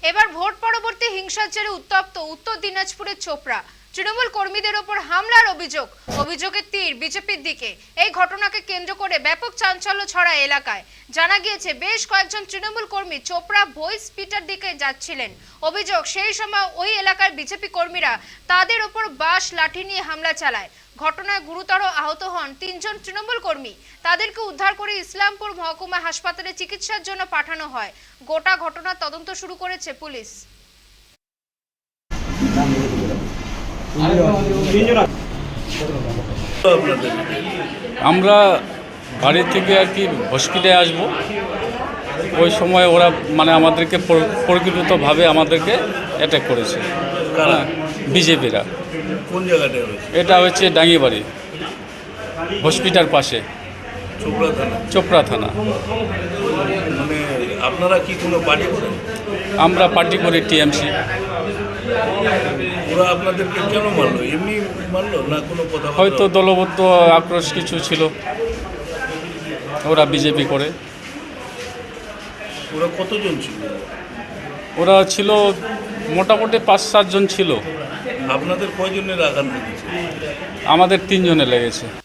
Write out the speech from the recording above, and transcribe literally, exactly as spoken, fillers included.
এবার ভোট পরবর্তী হিংসার জেরে উত্তপ্ত উত্তর দিনাজপুরের চোপড়া। তৃণমূল কর্মীদের ওপর হামলার অভিযোগ, অভিযোগের তীর বিজেপির দিকে। এই ঘটনাকে কেন্দ্র করে ব্যাপক চাঞ্চল্য ছড়ায় এলাকায়। জানা গিয়েছে বেশ কয়েকজন তৃণমূল কর্মী চোপড়া ভয়েস পিটার দিকে যাচ্ছিলেন। অভিযোগ, সেই সময় ওই এলাকার বিজেপি কর্মীরা তাদের ওপর বাঁশ লাঠি নিয়ে হামলা চালায়। ঘটনায় গুরুতর আহত হন তিনজন তৃণমূল কর্মী। তাদেরকে উদ্ধার করে ইসলামপুর মহকুমা হাসপাতালে চিকিৎসার জন্য পাঠানো হয়। গোটা ঘটনার তদন্ত শুরু করেছে পুলিশ। আমরা বাড়ি থেকে আর কি হসপিটালে আসব, ওই সময় ওরা মানে আমাদেরকে পরিকল্পিতভাবে আমাদেরকে অ্যাটাক করেছে বিজেপিরা। কোন জায়গাটা হয়েছে? এটা হচ্ছে ডাঙ্গিবাড়ি হসপিটাল পাশে, চোপড়া থানা। চোপড়া থানা। মানে আপনারা কি কোনো পার্টি করেন? আমরা পার্টি করি টিএমসি। ওরা আপনাদেরকে কেন মারলো? এমনি মারলো না কোনো কথা? হয়তো দলবদ্ধ আক্রোশ কিছু ছিল, ওরা বিজেপি করে। ওরা কতজন ছিল? ওরা ছিল মোটামুটি পাঁচ সাতজন ছিল। আপনাদের কয়জনের আঘাত লেগেছে? আমাদের তিনজনে লেগেছে।